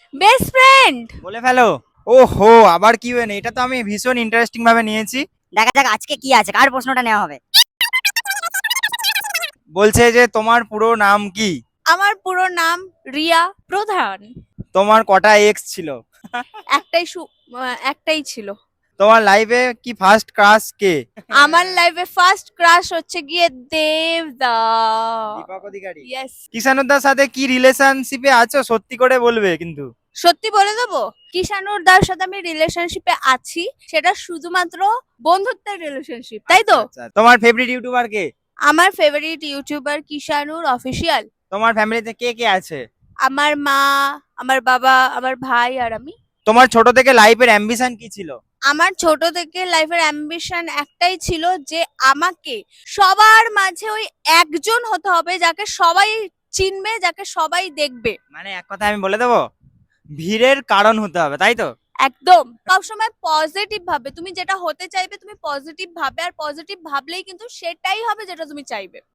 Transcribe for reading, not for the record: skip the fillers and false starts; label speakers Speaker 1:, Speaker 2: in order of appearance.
Speaker 1: Best friend.
Speaker 2: বলে ফেলো। ওহো, আবার কি হয়নি? এটা তো আমি ভীষণ ইন্টারেস্টিং ভাবে নিয়েছি।
Speaker 3: দেখা যাক আজকে কি আছে, কার প্রশ্নটা নেওয়া হবে।
Speaker 2: বলছে যে তোমার পুরো নাম কি?
Speaker 1: আমার পুরো নাম রিয়া প্রধান।
Speaker 2: তোমার কটা এক্স ছিল?
Speaker 1: একটাই একটাই ছিল।
Speaker 2: তোমার লাইফে কি ফার্স্ট ক্রাশ কে?
Speaker 1: আমার লাইফে ফার্স্ট ক্রাশ হচ্ছে গিয়ে দেবদা।
Speaker 2: দীপক অধিকারী।
Speaker 1: ইয়েস।
Speaker 2: কিষানুদার সাথে কি রিলেশনশিপে আছো, সত্যি করে বলবে কিন্তু।
Speaker 1: সত্যি বলে দেবো, কিষানুর দার সাথে আমি রিলেশনশিপে আছি, সেটা শুধুমাত্র বন্ধুত্বের রিলেশনশিপ, তাই তো?
Speaker 2: আচ্ছা, আচ্ছা। তোমার ফেভারিট ইউটিউবার কে?
Speaker 1: আমার ফেভারিট ইউটিউবার কিষানুর অফিসিয়াল।
Speaker 2: তোমার ফ্যামিলিতে কে কে আছে?
Speaker 1: আমার মা, আমার বাবা, আমার ভাই আর আমি।
Speaker 2: তোমার ছোট থেকে লাইফের অ্যাম্বিশন কি ছিল?
Speaker 1: আমার ছোট থেকে লাইফের অ্যাম্বিশন একটাই ছিল যে আমাকে সবার মাঝে ওই একজন হতে হবে যাকে সবাই চিনবে, যাকে সবাই দেখবে।
Speaker 2: মানে এক কথা আমি বলে দেবো, ভিড়ের কারণ হতে হবে, তাই তো?
Speaker 1: একদম সবসময় পজিটিভ ভাবে, তুমি যেটা হতে চাইবে তুমি পজিটিভ ভাবে, আর পজিটিভ ভাবলেই কিন্তু সেটাই হবে যেটা তুমি চাইবে।